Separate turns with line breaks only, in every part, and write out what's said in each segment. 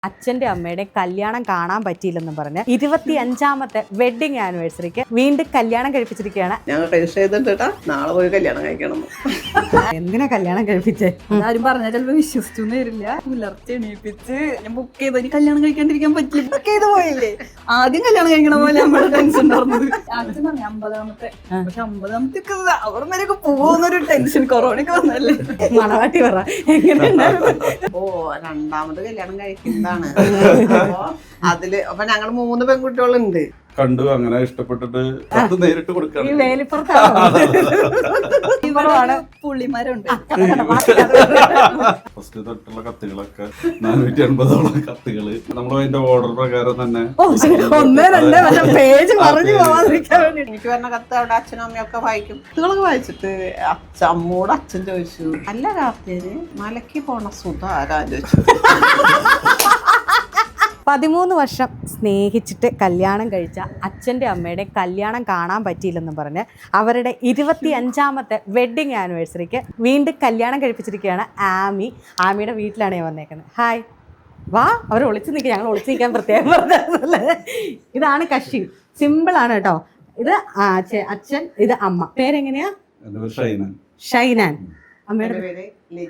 അച്ഛൻ്റെ അമ്മയുടെ കല്യാണം കാണാൻ പറ്റിയില്ലെന്നും പറഞ്ഞ് 25ാമത്തെ വെഡിങ് ആനിവേഴ്സറിക്ക് വീണ്ടും കല്യാണം കഴിപ്പിച്ചിരിക്കുകയാണ്.
ഞങ്ങൾ രജിസ്റ്റർ ചെയ്തിട്ടാ നാളെ പോയി കല്യാണം കഴിക്കണം.
എന്തിനാ കല്യാണം കഴിപ്പിച്ചേ?
ആരും പറഞ്ഞാൽ ചിലപ്പോ വിശ്വസിച്ചൊന്നും വരില്ല. പുലർച്ചെ എണീപ്പിച്ച് ഞാൻ ബുക്ക് ചെയ്ത് കല്യാണം കഴിക്കാണ്ടിരിക്കാൻ പറ്റില്ല. ബുക്ക് ചെയ്ത് പോയില്ലേ, ആദ്യം കല്യാണം കഴിക്കണ പോലെ നമ്മുടെ ടെൻഷൻ ഉണ്ടായിരുന്നത്. ആദ്യം പറഞ്ഞു 50ാമത്തെ, പക്ഷെ 50ാമത്തെ അവർ വരെയൊക്കെ പോകുന്നൊരു ടെൻഷൻ. കൊറോണയൊക്കെ വന്നല്ലേ.
മണവാട്ടി പറ എങ്ങനെയുണ്ടായിരുന്നു?
ഓ, രണ്ടാമത് കല്യാണം കഴിക്കുന്നതാണ്. അതില് അപ്പൊ ഞങ്ങൾ 3 പെൺകുട്ടികളുണ്ട്.
കണ്ടു, അങ്ങനെ ഇഷ്ടപ്പെട്ടിട്ട് അത് നേരിട്ട് കൊടുക്കണം.
ഈ വേലിപ്പുറത്താണ്
പുള്ളിമാരുണ്ട്.
ഫസ്റ്റ് തൊട്ടുള്ള കത്തുകളൊക്കെ 450ഓളം കത്തുകള് നമ്മൾ അതിന്റെ ഓർഡർ പ്രകാരം തന്നെ
പേജ് പറഞ്ഞു പോവാതിരിക്കാൻ വേണ്ടി
എനിക്ക് പറഞ്ഞ കത്ത് അവിടെ അച്ഛനും അമ്മയൊക്കെ വായിക്കും. കത്തുകളൊക്കെ വായിച്ചിട്ട് അമ്മോട് അച്ഛൻ ചോദിച്ചു, അല്ല കാർത്തിയന് മലയ്ക്ക് പോണ സുധ ആരാ ചോദിച്ചു.
13 വർഷം സ്നേഹിച്ചിട്ട് കല്യാണം കഴിച്ച അച്ഛൻ്റെ അമ്മയുടെ കല്യാണം കാണാൻ പറ്റിയില്ലെന്നും പറഞ്ഞ് അവരുടെ 25ാമത്തെ വെഡിങ് ആനിവേഴ്സറിക്ക് വീണ്ടും കല്യാണം കഴിപ്പിച്ചിരിക്കുകയാണ് ആമിയുടെ വീട്ടിലാണ് ഞാൻ വന്നേക്കുന്നത്. ഹായ്, വാ. അവർ ഒളിച്ചു നിൽക്കുക, ഞങ്ങൾ ഒളിച്ചു നിൽക്കാൻ പ്രത്യേകം പറഞ്ഞല്ലേ. ഇതാണ് കക്ഷി, സിമ്പിളാണ് കേട്ടോ. ഇത് അച്ഛൻ, ഇത് അമ്മ. പേരെങ്ങനെയാ? ഷൈനാൻ. അമ്മയുടെ
പേര്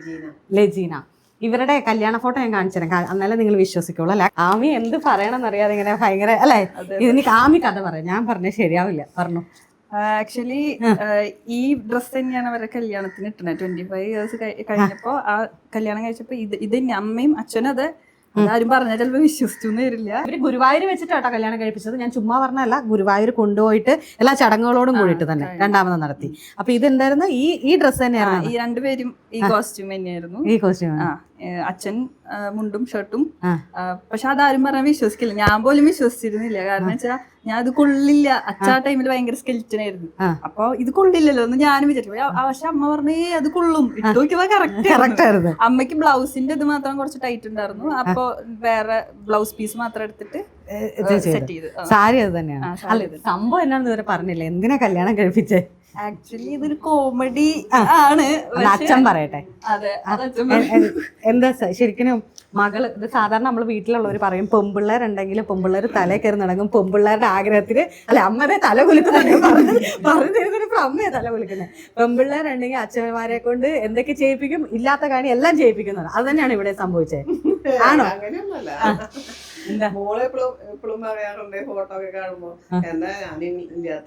ലജീന. ഇവരുടെ കല്യാണ ഫോട്ടോ ഞാൻ കാണിച്ചു തരാം, എന്നാലും നിങ്ങൾ വിശ്വസിക്കുള്ളൂ അല്ലെ. ആമി എന്ത് പറയണമെന്നറിയാതെ ഇങ്ങനെ ഭയങ്കര അല്ലേ. എനിക്ക് ആമി കഥ പറയാം, ഞാൻ പറഞ്ഞത് ശരിയാവില്ല. പറഞ്ഞു.
ആക്ച്വലി ഈ ഡ്രസ് തന്നെയാണ് അവരുടെ കല്യാണത്തിന് ഇട്ടത്. 25 ഇയേഴ്സ് കഴിഞ്ഞപ്പോ ആ കല്യാണം കഴിച്ചപ്പോ ഇത് അമ്മയും അച്ഛനും അത് ആരും പറഞ്ഞാൽ ചിലപ്പോ വിശ്വസിച്ചൊന്നും വരില്ല.
ഇവര് ഗുരുവായൂർ വെച്ചിട്ടാട്ടോ കല്യാണം കഴിപ്പിച്ചത്. ഞാൻ ചുമ്മാ പറഞ്ഞല്ല, ഗുരുവായൂർ കൊണ്ടുപോയിട്ട് എല്ലാ ചടങ്ങുകളോടും കൂടിയിട്ട് തന്നെ രണ്ടാമത് നടത്തി. അപ്പൊ ഇതെന്തായിരുന്നു? ഈ ഡ്രസ്സ് തന്നെയാണ്.
ഈ രണ്ടുപേരും ഈ കോസ്റ്റ്യൂം തന്നെയായിരുന്നു.
ഈ കോസ്റ്റ്യൂം
അച്ഛൻ മുണ്ടും ഷർട്ടും. പക്ഷെ അതാരും പറഞ്ഞാൽ വിശ്വസിക്കില്ല. ഞാൻ പോലും വിശ്വസിച്ചിരുന്നില്ല. കാരണം വെച്ചാൽ ഞാൻ ഇത് കൊള്ളില്ല. അച്ഛാ ടൈമിൽ ഭയങ്കര സ്കെൽറ്റൻ ആയിരുന്നു. അപ്പൊ ഇത് കൊള്ളില്ലല്ലോ എന്ന് ഞാനും വിചാരിച്ചു. പക്ഷെ അമ്മ പറഞ്ഞേ അത് കൊള്ളും. ഇട്ട് നോക്കിയപ്പോ കറക്റ്റ് ആയിരുന്നു. അമ്മയ്ക്ക് ബ്ലൗസിന്റെ ഇത് മാത്രം കുറച്ച് ടൈറ്റ് ഉണ്ടായിരുന്നു. അപ്പൊ വേറെ ബ്ലൗസ് പീസ് മാത്രം എടുത്തിട്ട് സെറ്റ് ചെയ്ത്.
സാരി അത് തന്നെയാണ്. സംഭവം എന്നാണെന്ന് ഇവരെ പറഞ്ഞില്ല, എന്തിനാ കല്യാണം കഴിപ്പിച്ചേ?
ആക്ച്വലി ഇതൊരു കോമഡി ആണ്.
അച്ഛൻ പറയട്ടെ.
അതെ,
എന്താ ശരിക്കും മകള്, ഇത് സാധാരണ നമ്മൾ വീട്ടിലുള്ളവർ പറയും, പെമ്പിള്ളേരുണ്ടെങ്കിൽ പെമ്പിള്ളേർ തലേ കയറി നടക്കും. പെമ്പിള്ളേരുടെ ആഗ്രഹത്തിന് അല്ല, അമ്മയുടെ തല കുലുക്കുന്നുണ്ട് പറഞ്ഞു തരുന്നൊരു അമ്മയെ തല കുലുക്കുന്നത്. പെമ്പിള്ളേരുണ്ടെങ്കിൽ അച്ഛന്മാരെ കൊണ്ട് എന്തൊക്കെ ചെയ്യിപ്പിക്കും, ഇല്ലാത്ത കാര്യം എല്ലാം ചെയ്യിപ്പിക്കുന്നത്. അത് തന്നെയാണ് ഇവിടെ സംഭവിച്ചത്. ആണോ?
അങ്ങനെയൊന്നുമല്ല. മോളെ എപ്പോഴും പറയാറുണ്ട് ഫോട്ടോ ഒക്കെ കാണുമ്പോ, എന്താ ഞാനില്ലാത്ത,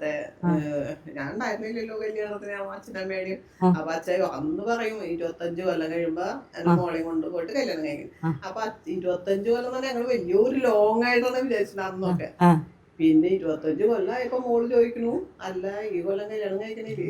ഞാൻ ഉണ്ടായിരുന്നില്ലല്ലോ കല്യാണത്തിന് അച്ഛനമ്മേടെയും. അപ്പൊ അച്ഛൻ അന്ന് പറയും 25 കൊല്ലം കഴിയുമ്പോ എന്റെ മോളെയും കൊണ്ട് പോയിട്ട് കല്യാണം കഴിക്കും. അപ്പൊ 25 കൊല്ലം തന്നെ ഞങ്ങള് വലിയൊരു ലോങ് ആയിട്ടാണ് വിചാരിച്ചത് അന്നൊക്കെ. പിന്നെ 25 കൊല്ലമായപ്പോ മോള് ചോദിക്കണു, അല്ല ഈ കൊല്ലം കല്യാണം കഴിക്കണില്ലേ?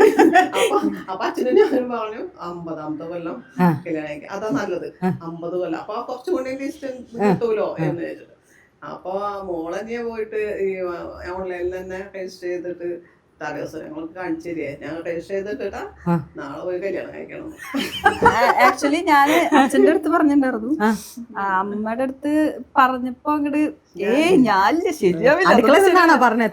അപ്പൊ അച്ഛനും ഞാനും പറഞ്ഞു 50ാമത്തെ കൊല്ലം കല്യാണം കഴിക്കാം, അതാ നല്ലത്. 50 കൊല്ലം അപ്പൊ കുറച്ചും കൂടി ഡിസ്റ്റൻസ് കിട്ടൂലോ എന്ന് വെച്ചിട്ട്. അപ്പൊ മോളെന്നെ പോയിട്ട് ഈ ഓൺലൈനിൽ തന്നെ രജിസ്റ്റർ ചെയ്തിട്ട് തലേദിവസം ഞങ്ങൾക്ക് കാണിച്ചു തരികയെ, ഞങ്ങൾ രജിസ്റ്റർ ചെയ്തിട്ടാ നാളെ പോയി കല്യാണം കഴിക്കണം.
ആക്ച്വലി ഞാൻ അച്ഛൻ്റെ അടുത്ത് പറഞ്ഞിട്ടുണ്ടായിരുന്നു. അമ്മയുടെ അടുത്ത് പറഞ്ഞപ്പോ അങ്ങോട്ട് ഞാനില്ല, ശരിയാവില്ല
പറഞ്ഞത്.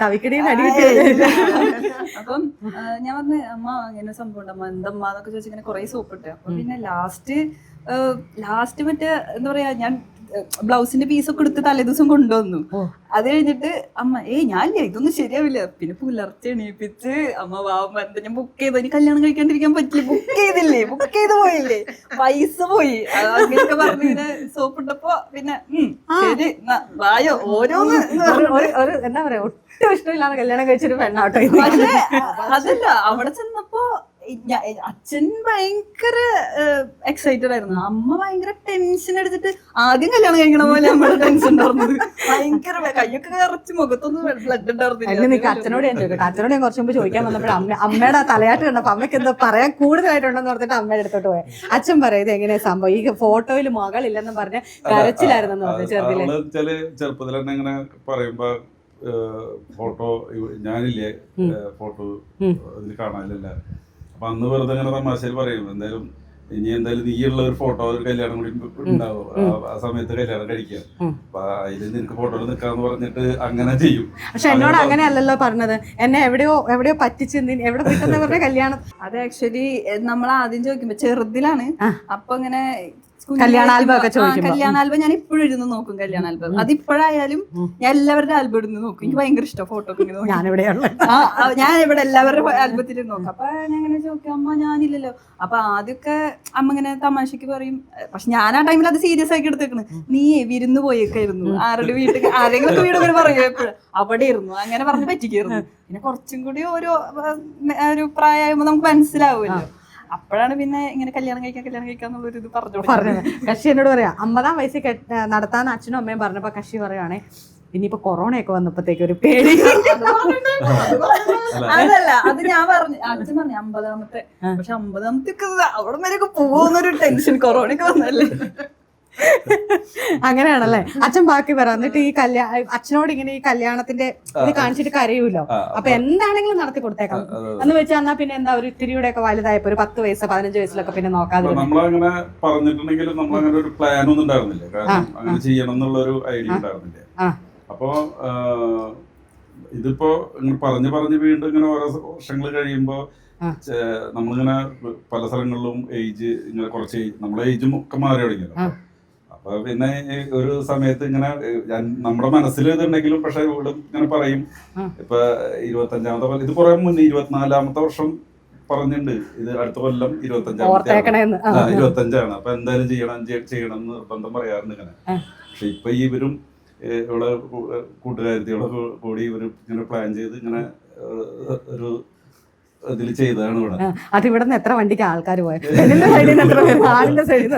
അപ്പം ഞാൻ പറഞ്ഞു, അമ്മ ഇങ്ങനെ സംഭവം ഉണ്ട്, അമ്മ എന്തമ്മ എന്നൊക്കെ ചോദിച്ചു. ഇങ്ങനെ കുറെ സോപ്പിട്ട്. അപ്പൊ പിന്നെ ലാസ്റ്റ് മറ്റേ എന്താ പറയാ, ഞാൻ ബ്ലൗസിന്റെ പീസൊക്കെ എടുത്ത് തലേദിവസം കൊണ്ടുവന്നു. അത് കഴിഞ്ഞിട്ട് അമ്മ ഞാനില്ല, ഇതൊന്നും ശരിയാവില്ല. പിന്നെ പുലർച്ചെ എണീപ്പിച്ച് അമ്മ വാമ്മ എന്താ ഞാൻ ബുക്ക് ചെയ്തു, ഇനി കല്യാണം കഴിക്കാണ്ടിരിക്കാൻ പറ്റില്ല, ബുക്ക് ചെയ്തില്ലേ, ബുക്ക് ചെയ്ത് പോയില്ലേ, പൈസ പോയി, അങ്ങനെയൊക്കെ പറഞ്ഞിങ്ങനെ സോപ്പിട്ടപ്പോ പിന്നെ ശരി വായോ ഓരോന്ന്
എന്താ പറയാ, ഒട്ടും ഇഷ്ടമില്ലാതെ കല്യാണം കഴിച്ചൊരു പെണ്ണാട്ടോ.
പക്ഷെ അതല്ല, അവിടെ ചെന്നപ്പോ അച്ഛൻ ഭയങ്കര എക്സൈറ്റഡ് ആയിരുന്നു. അമ്മ ഭയങ്കര ടെൻഷൻ എടുത്തിട്ട് ആദ്യം കല്യാണം കഴിക്കണ പോലെ നമ്മുടെ ടെൻഷൻ ഉണ്ടായിരുന്നത്. ഭയങ്കര കയ്യൊക്കെ കറച്ച് മുഖത്തൊന്നും ബ്ലഡ് ഉണ്ടായിരുന്നില്ല.
അച്ഛനോട് ഞാൻ ചോദിക്കട്ടെ, അച്ഛനോട് ഞാൻ കുറച്ച് മുമ്പ് ചോദിക്കാൻ വന്നപ്പോൾ അമ്മയുടെ തലയാട്ട് കണ്ടപ്പോ അമ്മയ്ക്ക് എന്താ പറയാൻ കൂടുതലായിട്ടുണ്ടെന്ന് പറഞ്ഞിട്ട് അമ്മയുടെ അടുത്തോട്ട് പോയി. അച്ഛൻ പറയുന്നത് എങ്ങനെയാ സംഭവം, ഈ ഫോട്ടോയിൽ മകളില്ലെന്ന് പറഞ്ഞ കരച്ചിലായിരുന്നെന്ന് പറഞ്ഞു ചെറുതില്.
ചെറുപ്പത്തിൽ തന്നെ ഇങ്ങനെ പറയുമ്പോ ഫോട്ടോ ഞാനില്ലേ, ഫോട്ടോ അതിൽ കാണാനില്ല. അപ്പൊ അന്ന് വെറുതെ ഇങ്ങനെ തമാശയിൽ പറയും, എന്തായാലും നീയുള്ള ഒരു ഫോട്ടോ ഒരു കല്യാണം കൂടി ഉണ്ടാവും, ആ സമയത്ത് കല്യാണം കഴിക്കാം, അപ്പൊ അതിൽ നിനക്ക് ഫോട്ടോയിൽ നിൽക്കാന്ന് പറഞ്ഞിട്ട് അങ്ങനെ ചെയ്യും.
പക്ഷെ എന്നോട് അങ്ങനെ അല്ലല്ലോ പറഞ്ഞത്, എന്നെ എവിടെയോ പറ്റിച്ച് എവിടെ കിട്ടുന്ന പറഞ്ഞ കല്യാണം.
അത് ആക്ച്വലി നമ്മൾ ആദ്യം ചോദിക്കുമ്പോ ചെറുതിലാണ്. അപ്പൊ ഇങ്ങനെ
കല്യാണ ആൽബം ഒക്കെ ചോദിക്കുമ്പോ.
കല്യാണ ആൽബം ഞാൻ ഇപ്പോഴും ഇരുന്ന് നോക്കും. കല്യാണ ആൽബം അത് ഇപ്പോഴായാലും ഞാൻ എല്ലാവരുടെ ആൽബം ഇരുന്ന് നോക്കും. എനിക്ക് ഭയങ്കര ഇഷ്ടം ഫോട്ടോ ഒക്കെ ഇങ്ങനെ നോക്കി.
ഞാനിവിടെയുള്ള
ഞാൻ ഇവിടെ എല്ലാവരുടെ ആൽബത്തിൽ നോക്കാം. അപ്പൊ ഞാൻ ഇങ്ങനെ ചോദിക്കും, അമ്മ ഞാനില്ലല്ലോ. അപ്പൊ ആദ്യമൊക്കെ അമ്മ ഇങ്ങനെ തമാശക്ക് പറയും. പക്ഷെ ഞാൻ ആ ടൈമിൽ അത് സീരിയസ് ആക്കി എടുത്തേക്കണ്. നീ വിരുന്ന് പോയേക്കായിരുന്നു, ആരുടെ വീട്ടിൽ ആരെങ്കിലും വീട് ഇങ്ങനെ പറയും എപ്പോഴും അവിടെ ഇരുന്നു അങ്ങനെ പറഞ്ഞ് പറ്റിക്കായിരുന്നു. പിന്നെ കുറച്ചും കൂടി ഒരു പ്രായമാകുമ്പോ നമുക്ക് മനസ്സിലാവുമല്ലോ. അപ്പോഴാണ് പിന്നെ ഇങ്ങനെ കല്യാണം കഴിക്കാന്നുള്ളൊരു ഇത്
പറഞ്ഞത്. കക്ഷി എന്നോട് പറയാം 50-ാം വയസ്സിൽ നടത്താന്ന് അച്ഛനും അമ്മയും പറഞ്ഞപ്പോ കക്ഷി പറയുവാണേ ഇനിയിപ്പോ കൊറോണയൊക്കെ വന്നപ്പോഴത്തേക്ക് ഒരു പേടി.
അതല്ല, അത് ഞാൻ പറഞ്ഞു, അച്ഛൻ പറഞ്ഞു 50-ാമത്തെ. പക്ഷെ 50-ാമത്തെ അവിടെ വരെയൊക്കെ പോകുന്നൊരു ടെൻഷൻ കൊറോണയൊക്കെ വന്നല്ലേ.
അങ്ങനെയാണല്ലേ. അച്ഛൻ ബാക്കി പറ. എന്നിട്ട് ഈ അച്ഛനോട് ഇങ്ങനെ ഈ കല്യാണത്തിന്റെ ഇത് കാണിച്ചിട്ട് കരയൂല്ലോ. അപ്പൊ എന്താണെങ്കിലും നടത്തി കൊടുത്തേക്കാം എന്ന് വെച്ചാൽ എന്നാ പിന്നെ എന്താ ഒരു ഇത്തിരിയുടെ ഒക്കെ വലുതായപ്പോ ഒരു 10 വയസ്സ് 15 വയസ്സിലൊക്കെ പിന്നെ നോക്കാതെ.
നമ്മളങ്ങനെ പറഞ്ഞിട്ടുണ്ടെങ്കിലും നമ്മളങ്ങനെ ഒരു പ്ലാൻ ഒന്നും ഉണ്ടായിരുന്നില്ല. കാരണം അങ്ങനെ ചെയ്യണം എന്നുള്ള ഒരു ഐഡിയ ഉണ്ടായിരുന്നില്ല. അപ്പോ ഇതിപ്പോ ഇങ്ങനെ പറഞ്ഞു വീണ്ടും ഇങ്ങനെ ഓരോ വർഷങ്ങൾ കഴിയുമ്പോ നമ്മളിങ്ങനെ പല സ്ഥലങ്ങളിലും ഏജ് ഇങ്ങനെ കുറച്ച് നമ്മളെ ഏജും ഒക്കെ മാറി തുടങ്ങിയല്ലോ. അപ്പൊ പിന്നെ ഒരു സമയത്ത് ഇങ്ങനെ നമ്മുടെ മനസ്സിൽ ഇതുണ്ടെങ്കിലും പക്ഷെ ഇവിടെ ഇങ്ങനെ പറയും ഇപ്പൊ 25-ാമത്തെ ഇത് കുറെ മുന്നേ 24-ാമത്തെ വർഷം പറഞ്ഞിട്ടുണ്ട്. ഇത് അടുത്ത കൊല്ലം 25-ആണ്. അപ്പൊ എന്തായാലും ചെയ്യണം എന്ന് നിർബന്ധം പറയാറുണ്ട് ഇങ്ങനെ. പക്ഷെ ഇപ്പൊ ഇവരും ഇവിടെ കൂട്ടുകാരത്തിയോടെ കൂടി ഇവര് ഇങ്ങനെ പ്ലാൻ ചെയ്ത് ഇങ്ങനെ ഒരു ഇതിൽ ചെയ്തതാണ് ഇവിടെ.
അതിവിടെ നിന്ന് എത്ര വണ്ടിക്ക് ആൾക്കാർ പോയത്? ആളിന്റെ സൈഡിൽ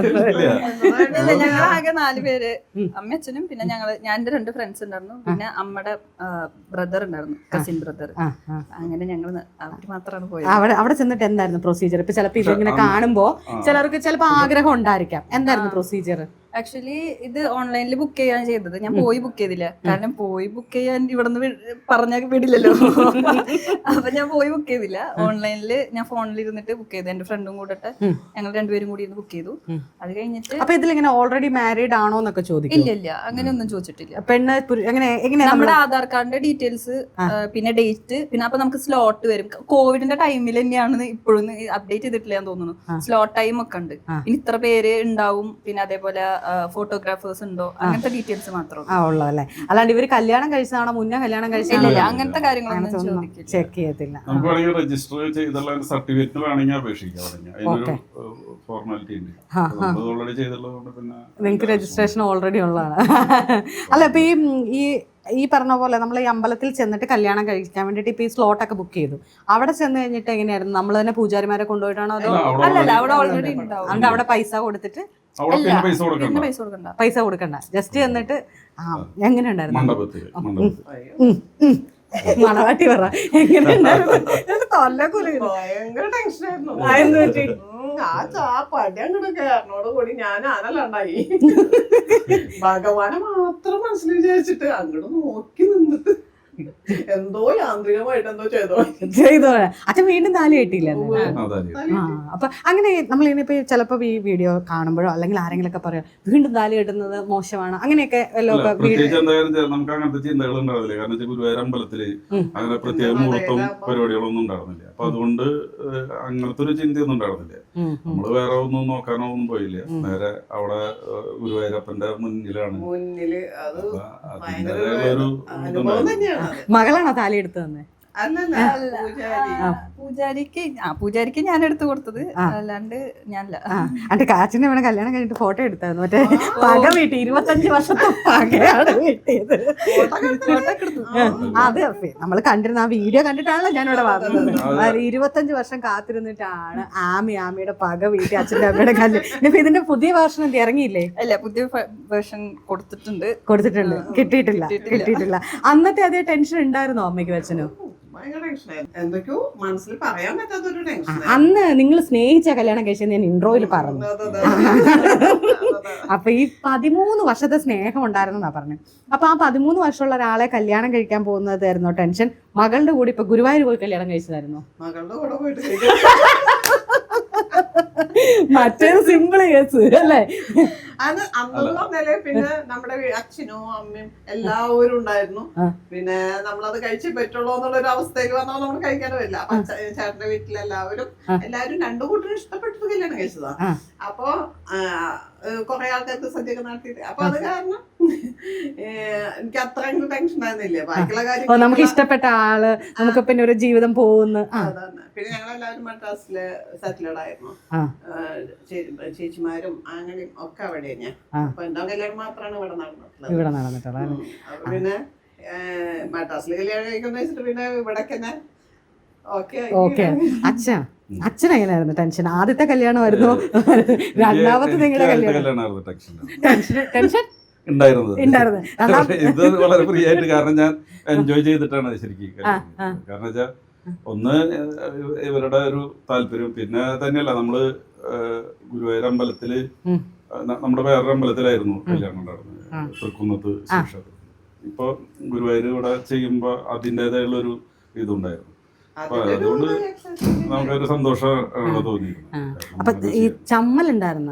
ഞങ്ങളാകെ 4 പേര്, അമ്മ അച്ഛനും പിന്നെ ഞാൻ എന്റെ 2 ഫ്രണ്ട്സ് ഉണ്ടായിരുന്നു, പിന്നെ അമ്മയുടെ ബ്രദർ ഉണ്ടായിരുന്നു, കസിൻ ബ്രദർ. അങ്ങനെ ഞങ്ങൾ അവര് മാത്രമാണ് പോയത്.
അവിടെ ചെന്നിട്ട് എന്തായിരുന്നു പ്രൊസീജിയർ? ഇപ്പൊ ചിലപ്പോ ഇതിങ്ങനെ കാണുമ്പോ ചിലർക്ക് ചിലപ്പോ ആഗ്രഹം ഉണ്ടായിരിക്കാം. എന്തായിരുന്നു പ്രൊസീജിയർ?
ആക്ച്വലി ഇത് ഓൺലൈനിൽ ബുക്ക് ചെയ്യാൻ ചെയ്തത്. ഞാൻ പോയി ബുക്ക് ചെയ്തില്ല. കാരണം പോയി ബുക്ക് ചെയ്യാൻ ഇവിടുന്ന് പറഞ്ഞാൽ വിടില്ലല്ലോ. അപ്പൊ ഞാൻ പോയി ബുക്ക് ചെയ്തില്ല. ഓൺലൈനിൽ ഞാൻ ഫോണിൽ ഇരുന്നിട്ട് ബുക്ക് ചെയ്തു. എന്റെ ഫ്രണ്ടും കൂടെ ഞങ്ങൾ 2 പേരും കൂടി ഇരുന്ന് ബുക്ക് ചെയ്തു. അത് കഴിഞ്ഞിട്ട്
അപ്പൊ ഇതിലിങ്ങനെ ഓൾറെഡി മാരീഡ് ആണോ എന്നൊക്കെ ചോദിക്കും?
ഇല്ല അങ്ങനെയൊന്നും ചോദിച്ചിട്ടില്ല.
പെണ്ണ് എങ്ങനെ
നമ്മുടെ ആധാർ കാർഡിന്റെ ഡീറ്റെയിൽസ്, പിന്നെ ഡേറ്റ്, പിന്നെ അപ്പൊ നമുക്ക് സ്ലോട്ട് വരും. കോവിഡിന്റെ ടൈമിൽ തന്നെയാണ് ഇപ്പോഴും അപ്ഡേറ്റ് ചെയ്തിട്ടില്ല എന്ന് തോന്നുന്നു. സ്ലോട്ട് ടൈം ഒക്കെ ഉണ്ട്. പിന്നെ ഇത്ര പേര് ഉണ്ടാവും, പിന്നെ അതേപോലെ ഫോട്ടോഗ്രാഫേഴ്സ് ഉണ്ടോ, അങ്ങനത്തെ ഡീറ്റെയിൽസ് മാത്രം
ഉള്ളതല്ലേ. അല്ലാണ്ട് ഇവര് കല്യാണം കഴിച്ചതാണോ മുന്നേ കല്യാണം കഴിച്ചില്ല
അങ്ങനത്തെ കാര്യങ്ങളൊന്നും
ചെക്ക് ചെയ്യത്തില്ല.
നമുക്ക് വേണമെങ്കിൽ രജിസ്റ്റർ ചെയ്തുള്ള സർട്ടിഫിക്കറ്റ് വേണമെങ്കിൽ അപേക്ഷിക്കാം. അതിനൊരു ഫോർമാലിറ്റി ഉണ്ട്. ഓൾറെഡി ചെയ്തുള്ളതുകൊണ്ട് പിന്നെ
നിങ്ങൾക്ക് രജിസ്ട്രേഷൻ ഓൾറെഡി ഉള്ളതാണ്. അല്ല ഇപ്പൊ ഈ പറഞ്ഞ പോലെ നമ്മൾ ഈ അമ്പലത്തിൽ ചെന്നിട്ട് കല്യാണം കഴിക്കാൻ വേണ്ടിട്ട് ഇപ്പൊ ഈ സ്ലോട്ടൊക്കെ ബുക്ക് ചെയ്തു. അവിടെ ചെന്ന് കഴിഞ്ഞിട്ട് എങ്ങനെയായിരുന്നു? നമ്മൾ തന്നെ പൂജാരിമാരെ കൊണ്ടുപോയിട്ടാണോ അതോ?
അല്ലല്ല, അവിടെ ഓൾറെഡി ഉണ്ടാവും.
അവിടെ പൈസ കൊടുത്തിട്ട് പൈസ കൊടുക്കണ്ട, ജസ്റ്റ് എന്നിട്ട് എങ്ങനെ ഉണ്ടായിരുന്നു? മണവാട്ടി പറ എങ്ങനെ
ഭയങ്കര ടെൻഷനായിരുന്നു. പടി അങ്ങോട്ട് കയറിനോട് കൂടി ഞാൻ ആനല്ലാണ്ടായി. ഭഗവാനെ മാത്രം മനസ്സിൽ വിചാരിച്ചിട്ട് അങ്ങോട്ട് നോക്കി നിന്നിട്ട് എന്തോ യാന്ത്രികമായിട്ട് എന്തോ ചെയ്തോ.
അച്ഛൻ വീണ്ടും താലി കെട്ടിയില്ല. അപ്പൊ അങ്ങനെ നമ്മളിങ്ങനെ ചിലപ്പോ ഈ വീഡിയോ കാണുമ്പോഴോ അല്ലെങ്കിൽ ആരെങ്കിലും ഒക്കെ പറയാം വീണ്ടും താലി കെട്ടുന്നത് മോശമാണ് അങ്ങനെയൊക്കെ
നമുക്ക് അങ്ങനത്തെ ചിന്തകൾ ഉണ്ടാവില്ല. കാരണം ഗുരുവായൂർ അമ്പലത്തില് അങ്ങനെ പ്രത്യേക മുഹൂർത്തം പരിപാടികളൊന്നും ഉണ്ടായിരുന്നില്ല. അപ്പൊ അതുകൊണ്ട് അങ്ങനത്തെ ഒരു ചിന്തയൊന്നും ഉണ്ടായിരുന്നില്ല. നമ്മള് വേറെ ഒന്നും നോക്കാനോ ഒന്നും പോയില്ല. നേരെ അവിടെ ഗുരുവായൂരപ്പന്റെ മുന്നിലാണ്. അതിൻ്റെതായ ഒരു
മകളാണോ താലി എടുത്തു തന്നെ?
പൂജാരിക്ക് ഞാൻ എടുത്തു കൊടുത്തത്, അല്ലാണ്ട് ഞാനല്ല.
അന്റെ കാച്ചിനെ വേണം കല്യാണം കഴിഞ്ഞിട്ട് ഫോട്ടോ എടുത്തായിരുന്നു. മറ്റേ പക വീട്ടി 25 വർഷത്തെ പകയാണ് വീട്ടിയത്. അത് നമ്മള് കണ്ടിരുന്ന ആ വീഡിയോ കണ്ടിട്ടാണല്ലോ ഞാനിവിടെ പറഞ്ഞത്. 25 വർഷം കാത്തിരുന്നിട്ടാണ് ആമിയുടെ പക വീട്ടി അച്ഛൻ്റെ അമ്മയുടെ കല്യാണം. ഇപ്പൊ ഇതിന്റെ പുതിയ വേർഷൻ എന്ത് ഇറങ്ങിയില്ലേ?
അല്ല, പുതിയ വേർഷൻ കൊടുത്തിട്ടുണ്ട്.
കിട്ടിയിട്ടില്ല. അന്നത്തെ അതേ ടെൻഷൻ ഉണ്ടായിരുന്നോ അമ്മയ്ക്ക് അച്ഛനോ?
എന്തൊക്കെയോ മനസ്സിൽ പറയാൻ പറ്റാത്തൊരു ടെൻഷൻ.
അന്ന് നിങ്ങൾ സ്നേഹിച്ച കല്യാണം കഴിച്ചത് ഞാൻ ഇൻട്രോയിൽ പറഞ്ഞു. അപ്പൊ ഈ 13 വർഷത്തെ സ്നേഹം ഉണ്ടായിരുന്നാ പറഞ്ഞു. അപ്പൊ ആ 13 വർഷമുള്ള ഒരാളെ കല്യാണം കഴിക്കാൻ പോകുന്നതായിരുന്നോ ടെൻഷൻ? മകളുടെ കൂടെ ഇപ്പൊ ഗുരുവായൂർ പോയി കല്യാണം കഴിച്ചതായിരുന്നോ?
മകളുടെ കൂടെ പോയിട്ട്
മറ്റേത് സിമ്പിൾ കേസ് അല്ലേ?
അത് അന്നെന്ന് പറഞ്ഞാല് പിന്നെ നമ്മുടെ അച്ഛനും അമ്മയും എല്ലാവരും ഉണ്ടായിരുന്നു. പിന്നെ നമ്മളത് കഴിച്ചേ പറ്റുള്ളൂ എന്നുള്ളൊരു അവസ്ഥയിൽ വന്നാൽ നമ്മൾ കഴിക്കാനും പറ്റില്ല. അപ്പൊ ചേട്ടന്റെ വീട്ടിലെല്ലാവരും 2 കൂട്ടരും ഇഷ്ടപ്പെട്ടിട്ട് കല്യാണം കഴിച്ചതാ. അപ്പൊ കൊറേ ആൾക്കാർക്ക് സദ്യയൊക്കെ നടത്തിയിട്ട് അപ്പൊ അത് കാരണം എനിക്ക് അത്ര ടെൻഷൻ ആയിരുന്നില്ല. ബാക്കിയുള്ള കാര്യം
നമുക്ക് ഇഷ്ടപ്പെട്ട ആള് നമുക്ക് പിന്നെ ഒരു ജീവിതം പോകുന്നു.
അതാണ്. പിന്നെ ഞങ്ങളെല്ലാവരും മദ്രാസില് സെറ്റിൽഡ് ആയിരുന്നു. ചേച്ചിമാരും അങ്ങനെയും ഒക്കെ അവിടെ ഞാൻ. അപ്പൊ എന്റെ കല്യാണം മാത്രമാണ് ഇവിടെ നടന്നിട്ടുള്ളത്. അപ്പൊ പിന്നെ മദ്രാസില് കല്യാണം കഴിക്കുന്ന വെച്ചിട്ട് പിന്നെ ഇവിടൊക്കെ ഞാൻ
ഓക്കെ. അച്ഛൻ എങ്ങനെയായിരുന്നു ടെൻഷൻ? ആദ്യത്തെ കല്യാണമായിരുന്നു, രണ്ടാമത്തെ നിങ്ങളുടെ കല്യാണം ടെൻഷൻ
ഉണ്ടായിരുന്നത്. ഇത് വളരെ ഫ്രീ ആയിട്ട്, കാരണം ഞാൻ എൻജോയ് ചെയ്തിട്ടാണ് ശരിക്കും. കാരണം വെച്ചാൽ ഒന്ന് ഇവരുടെ ഒരു താല്പര്യം, പിന്നെ തന്നെയല്ല നമ്മള് ഗുരുവായൂർ അമ്പലത്തില് നമ്മുടെ വേറൊരു അമ്പലത്തിലായിരുന്നു കല്യാണം ഉണ്ടായിരുന്നത്, തൃക്കുന്നത്ത് ശിവക്ഷേത്രം. ഇപ്പൊ ഗുരുവായൂർ ഇവിടെ ചെയ്യുമ്പോ അതിൻ്റെതായുള്ള ഒരു ഇതുണ്ടായിരുന്നു. അപ്പൊ അതുകൊണ്ട് നമുക്കൊരു സന്തോഷം തോന്നിയിരുന്നു.
അപ്പൊ ഈ ചമ്മൽ ഉണ്ടായിരുന്ന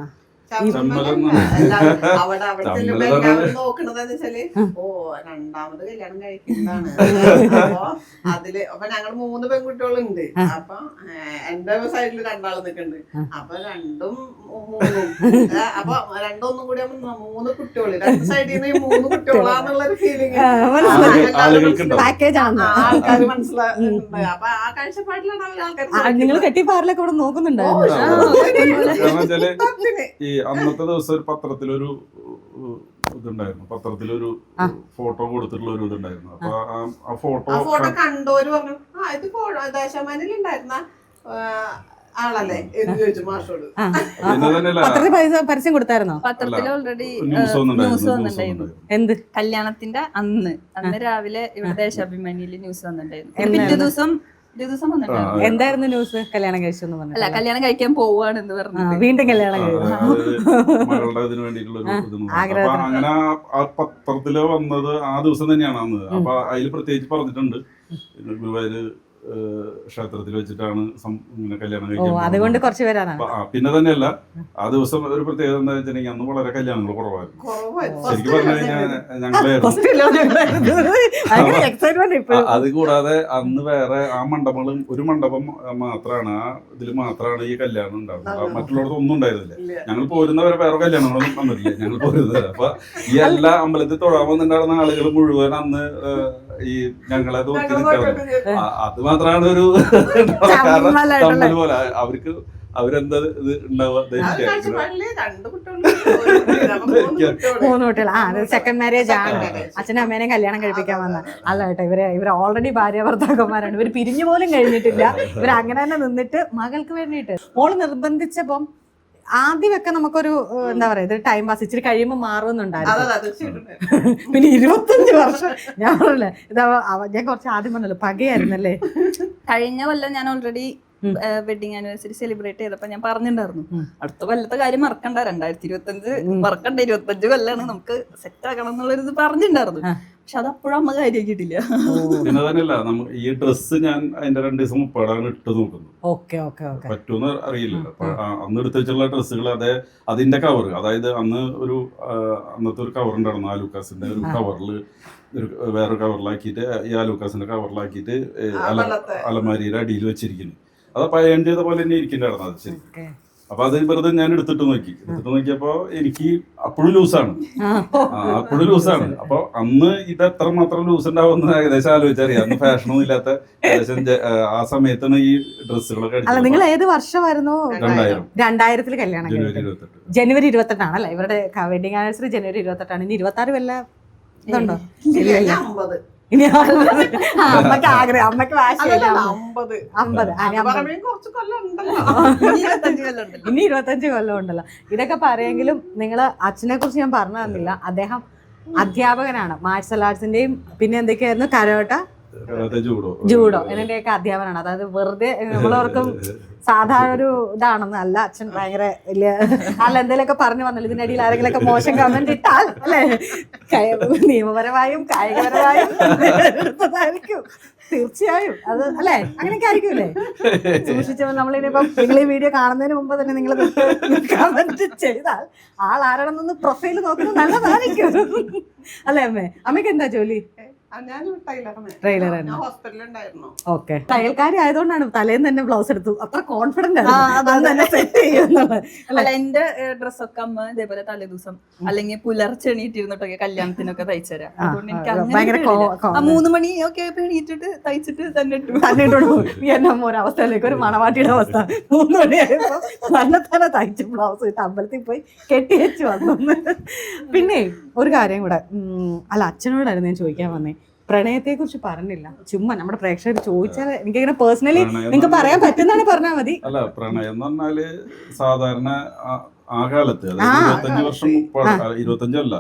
നോക്കണതെന്ന് വെച്ചാല് രണ്ടാമത് കല്യാണം കഴിക്കുന്നതാണ്. അപ്പൊ ഞങ്ങൾ 3 പെൺകുട്ടികളുണ്ട്. അപ്പൊ എന്റെ സൈഡില് 2 ആള് നിൽക്കുന്നുണ്ട്. അപ്പൊ 2ഉം 3ഉം അപ്പൊ 2 കൂടി 3 കുട്ടികള്, 2 സൈഡിൽ നിന്ന് 3 കുട്ടികളാന്നുള്ളൊരു ഫീലിംഗ് ആൾക്കാർ മനസ്സിലാക്കുന്നുണ്ട്. അപ്പൊ ആ കാഴ്ചപ്പാടിലാണ് ആൾക്കാർ.
നിങ്ങൾ കെട്ടിപ്പാറിലൊക്കെ ഇവിടെ നോക്കുന്നുണ്ടായിരുന്നു.
ഈ അന്നത്തെ ദിവസം ഒരു പത്രത്തിലൊരു ഇതുണ്ടായിരുന്നു, പത്രത്തിലൊരു ഫോട്ടോ കൊടുത്തിട്ടുള്ള ഒരു ഇതുണ്ടായിരുന്നു. അപ്പൊ ആ ഫോട്ടോ
കണ്ടോര് പറഞ്ഞു ഇത് ദേശാമാനിലുണ്ടായിരുന്ന ആളല്ലേ എന്ന് ചോദിച്ചു മാഷോട്.
പരസ്യം കൊടുത്തായിരുന്നോ?
പത്രത്തിൽ ഓൾറെഡി
ന്യൂസ്
വന്നിട്ടുണ്ടായിരുന്നു.
എന്ത്
കല്യാണത്തിന്റെ അന്ന് രാവിലെ ഇവിടെ ദേശാഭിമാനിയിൽ ന്യൂസ് വന്നിട്ടുണ്ടായിരുന്നു. പിറ്റേ ദിവസം വന്നിട്ടുണ്ടായിരുന്നു.
എന്തായിരുന്നു ന്യൂസ്? കല്യാണം കഴിച്ചെന്ന് പറഞ്ഞു.
അല്ല, കല്യാണം കഴിക്കാൻ പോവാണെന്ന് പറഞ്ഞു.
വീണ്ടും കല്യാണം
മകളുടെ ഇതിന് വേണ്ടിയിട്ടുള്ള അങ്ങനെ ആ പത്രത്തില് വന്നത് ആ ദിവസം തന്നെയാണ് അന്ന്. അപ്പൊ അതിൽ പ്രത്യേകിച്ച് പറഞ്ഞിട്ടുണ്ട് ഗുരുവായൂര് ക്ഷേത്രത്തിൽ വെച്ചിട്ടാണ് ഇങ്ങനെ കല്യാണം കഴിക്കാൻ.
അതുകൊണ്ട് കുറച്ച് പേരാണ്.
പിന്നെ തന്നെയല്ല, ആ ദിവസം ഒരു പ്രത്യേകത എന്താ വെച്ചിട്ടുണ്ടെങ്കിൽ അന്ന് വളരെ കല്യാണങ്ങൾ കുറവായിരുന്നു. ശരിക്കും പറഞ്ഞു കഴിഞ്ഞാൽ അത് കൂടാതെ അന്ന് വേറെ ആ മണ്ഡപങ്ങളും ഒരു മണ്ഡപം മാത്രമാണ്, ആ ഇതിൽ മാത്രമാണ് ഈ കല്യാണം ഉണ്ടാവുന്നത്. മറ്റുള്ളവർക്ക് ഒന്നും ഉണ്ടായിരുന്നില്ല. ഞങ്ങൾ പോരുന്നവരെ വേറെ കല്യാണങ്ങളൊന്നും വന്നിട്ടില്ല. ഞങ്ങൾ പോരുന്നവരെ അപ്പൊ ഈ എല്ലാ അമ്പലത്തിൽ തൊഴാൻ വന്നിട്ടുണ്ടായിരുന്ന ആളുകൾ മുഴുവൻ അന്ന് ഈ ഞങ്ങളെ നോക്കി നിൽക്കാറുണ്ട്. അത് മാത്രമാണ് ഒരു കാരണം പോലെ അവർക്ക് അവരെന്താ ഇത് ഉണ്ടാവുക.
3 കുട്ടികൾ. സെക്കൻഡ് മാരേജ് ആണ്. അച്ഛനും അമ്മേനെയും കല്യാണം കഴിപ്പിക്കാൻ വന്ന അല്ല കേട്ടോ. ഇവർ ഓൾറെഡി ഭാര്യ ഭർത്താക്കന്മാരാണ്. ഇവർ പിരിഞ്ഞു പോലും കഴിഞ്ഞിട്ടില്ല. ഇവർ അങ്ങനെ തന്നെ നിന്നിട്ട് മകൾക്ക് വേണ്ടിയിട്ട് മോള് നിർബന്ധിച്ചപ്പം ആദ്യമൊക്കെ നമുക്കൊരു എന്താ പറയാ, ഇത് ടൈം പാസ് ഇച്ചിരി കഴിയുമ്പോൾ മാറുമെന്നുണ്ടായിരുന്നു. പിന്നെ 25 വർഷം ഞാൻ പറഞ്ഞല്ലേ, ഞാൻ കുറച്ച് ആദ്യം പറഞ്ഞല്ലോ പകയായിരുന്നല്ലേ.
കഴിഞ്ഞ കൊല്ലം ഞാൻ ഓൾറെഡി വെഡിങ് ആനിവേഴ്സറി സെലിബ്രേറ്റ് ചെയ്തപ്പോ ഞാൻ പറഞ്ഞിട്ടുണ്ടായിരുന്നു, അടുത്ത കൊല്ലത്തെ കാര്യം മറക്കണ്ട, 2025 മറക്കണ്ട, 25 കൊല്ലാണ് നമുക്ക് സെറ്റ് ആക്കണം എന്നുള്ളൊരിത് പറഞ്ഞിട്ടുണ്ടായിരുന്നു. പക്ഷെ അത് അപ്പോഴും അമ്മ കാര്യമാക്കിയിട്ടില്ല.
പിന്നെ തന്നെയല്ല, നമുക്ക് ഈ ഡ്രസ്സ് ഞാൻ അതിന്റെ 2 ദിവസം മുപ്പാടാണ് ഇട്ട് നോക്കുന്നത്. പറ്റൂന്ന് അറിയില്ല. അന്ന് എടുത്ത് വെച്ചുള്ള ഡ്രസ്സുകൾ അതിന്റെ കവർ, അതായത് അന്ന് അന്നത്തെ ഒരു കവർ ഉണ്ടായിരുന്നു, ആലൂക്കാസിന്റെ ഒരു കവറിൽ വേറെ കവറിലാക്കിയിട്ട് ഈ ആലൂക്കാസിന്റെ കവറിലാക്കിയിട്ട് അലമാരിയുടെ അടിയിൽ വെച്ചിരിക്കുന്നു. അത് പയൺ ചെയ്ത പോലെ തന്നെ ഇരിക്കുന്നുണ്ടായിരുന്നു അത് ശരിക്കും. അപ്പൊ അത് വെറുതെ ഞാൻ എടുത്തിട്ട് നോക്കിയപ്പോ എനിക്ക് അപ്പോഴും ലൂസാണ്. അപ്പൊ അന്ന് ഇത് എത്രമാത്രം ലൂസ് ഉണ്ടാവുമെന്ന് ഏകദേശം ആലോചിച്ചറിയാം. അന്ന് ഫാഷനൊന്നും ഇല്ലാത്ത ഏകദേശം ആ സമയത്താണ് ഈ ഡ്രസ്സുകളൊക്കെ.
നിങ്ങൾ ഏത് വർഷമായിരുന്നു? 2000 കല്യാണം. ജനുവരി 28 ആണല്ലേ ഇവരുടെ വെഡിങ് ആനിവേഴ്സറി. ജനുവരി 28 ഇനി 26 വല്ല ഇതുണ്ടോ? ഇനി അമ്മക്ക് ആഗ്രഹം, അമ്മക്ക് വാശിയല്ല. 50 ഇനി 25 കൊല്ലം ഉണ്ടല്ലോ. ഇതൊക്കെ പറയെങ്കിലും നിങ്ങൾ അച്ഛനെ കുറിച്ച് ഞാൻ പറഞ്ഞു തന്നില്ല. അദ്ദേഹം അധ്യാപകനാണ്, മാർഷൽ ആർട്സിന്റെയും പിന്നെ എന്തൊക്കെയായിരുന്നു, കരോട്ട,
കരാത്തെ
ജൂഡോ ഇതിന്റെയൊക്കെ അധ്യാപനമാണ്. അതായത് വെറുതെ നമ്മളവർക്കും സാധാരണ ഒരു ഇതാണെന്ന് അല്ല. അച്ഛൻ ഭയങ്കര വലിയ അല്ല എന്തെങ്കിലുമൊക്കെ പറഞ്ഞു വന്നല്ലോ. ഇതിനിടയിൽ ആരെങ്കിലുമൊക്കെ മോശം കമന്റ് ഇട്ടാൽ അല്ലെ നിയമപരമായും കായികപരമായും എടുത്തതായിരിക്കും തീർച്ചയായും. അത് അല്ലെ അങ്ങനെയൊക്കെ ആയിരിക്കുമല്ലേ? സൂക്ഷിച്ചപ്പോൾ നമ്മളിനിപ്പം നിങ്ങൾ ഈ വീഡിയോ കാണുന്നതിന് മുമ്പ് തന്നെ നിങ്ങൾ കമന്റ് ചെയ്താൽ ആൾ ആരാണെന്നൊന്ന് പ്രൊഫൈൽ നോക്കുന്നത് നല്ലതായിരിക്കും അല്ലേ അമ്മേ? അമ്മയ്ക്ക് എന്താ ജോലി?
ട്രെയിലർ ഹോസ്പിറ്റലുണ്ടായിരുന്നു.
ഓക്കെ, തയ്യൽക്കാരി ആയതുകൊണ്ടാണ് തലേന്ന് തന്നെ ബ്ലൗസ് എടുത്തു. അത്ര കോൺഫിഡന്റ് ആണ് സെറ്റ് ചെയ്യുന്നത്.
അല്ല എന്റെ ഡ്രസ്സൊക്കെ അമ്മ ഇതേപോലെ തലേദിവസം അല്ലെങ്കിൽ പുലർച്ചെ എണീറ്റിരുന്നിട്ടൊക്കെ കല്യാണത്തിനൊക്കെ തയ്ച്ചുതരാം. അതുകൊണ്ട് എനിക്ക്
ഭയങ്കര
അങ്ങനെ 3 മണി ഒക്കെ എണീറ്റിട്ട് തയ്ച്ചിട്ട് തന്നെ
ഒരവസ്ഥയിലേക്ക് ഒരു മണവാട്ടിയുടെ അവസ്ഥ. 3 മണിയായപ്പോ തന്നെ തയ്ച്ച് ബ്ലൗസ് ഇട്ട് അമ്പലത്തിൽ പോയി കെട്ടി വെച്ച് വന്നു. പിന്നെ ഒരു കാര്യം കൂടെ, അല്ല അച്ഛനോടായിരുന്നു ഞാൻ ചോദിക്കാൻ വന്നേ. പ്രണയത്തെ കുറിച്ച് പറഞ്ഞില്ല, ചുമ്മാ നമ്മുടെ പ്രേക്ഷകർ ചോദിച്ചാൽ എനിക്കിങ്ങനെ പേഴ്സണലി നിങ്ങൾക്ക് പറയാൻ പറ്റുന്നതാണ് പറഞ്ഞാൽ മതി.
അല്ല പ്രണയം എന്ന് പറഞ്ഞാല് സാധാരണ ആ കാലത്ത് 25 വർഷം 25